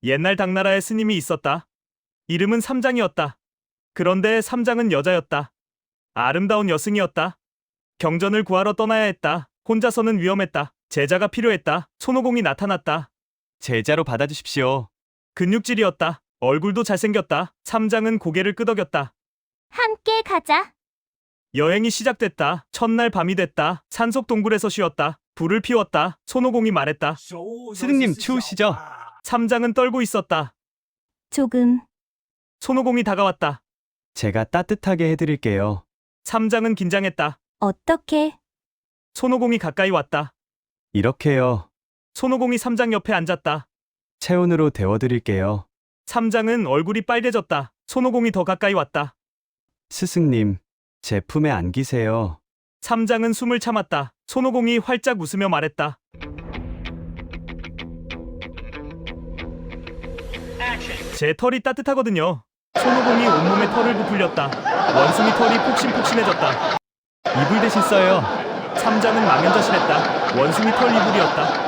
옛날 당나라에 스님이 있었다. 이름은 삼장이었다. 그런데 삼장은 여자였다. 아름다운 여승이었다. 경전을 구하러 떠나야 했다. 혼자서는 위험했다. 제자가 필요했다. 손오공이 나타났다. 제자로 받아주십시오. 근육질이었다. 얼굴도 잘생겼다. 삼장은 고개를 끄덕였다. 함께 가자. 여행이 시작됐다. 첫날 밤이 됐다. 산속 동굴에서 쉬었다. 불을 피웠다. 손오공이 말했다. 스승님 추우시죠? 삼장은 떨고 있었다. 조금. 손오공이 다가왔다. 제가 따뜻하게 해드릴게요. 삼장은 긴장했다. 어떻게? 손오공이 가까이 왔다. 이렇게요. 손오공이 삼장 옆에 앉았다. 체온으로 데워드릴게요. 삼장은 얼굴이 빨개졌다. 손오공이 더 가까이 왔다. 스승님, 제 품에 안기세요. 삼장은 숨을 참았다. 손오공이 활짝 웃으며 말했다. 제 털이 따뜻하거든요. 손오공이 온몸에 털을 부풀렸다. 원숭이 털이 폭신폭신해졌다. 이불 대신 써요. 삼장은 망연자실했다. 원숭이 털 이불이었다.